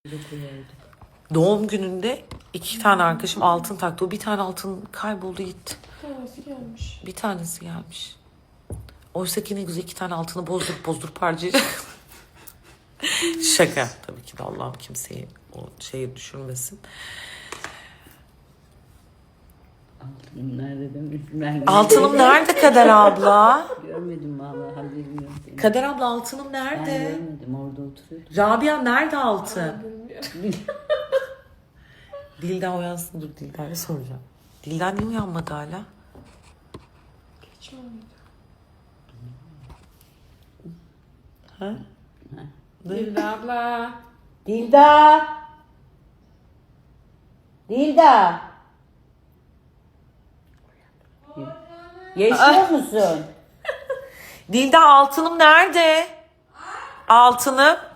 Doğum gününde 2 tane arkadaşım altın taktı. O bir tane altın kayboldu gitti. Bir tanesi gelmiş. Bir tanesi gelmiş. Oysa ki ne güzel 2 tane altını bozdurup harcayacak. Şaka. Tabii ki de Allah'ım kimseyi o şeyi düşürmesin. Altınım nerede demişler. Altınım nerede Kader abla? Görmedim vallahi, haberim yok benim. Kader abla altınım Ben nerede? görmedim, orada oturuyordu. Rabia nerede altın? Bilmiyorum. Dilda uyansın, dur Dilda'ya soracağım. Dilda niye uyanmadı hala? Geç olmadı. Ha? Dilda abla. Dilda! Dilda! Yaşıyor musun? Dilda altınım nerede? Altınım.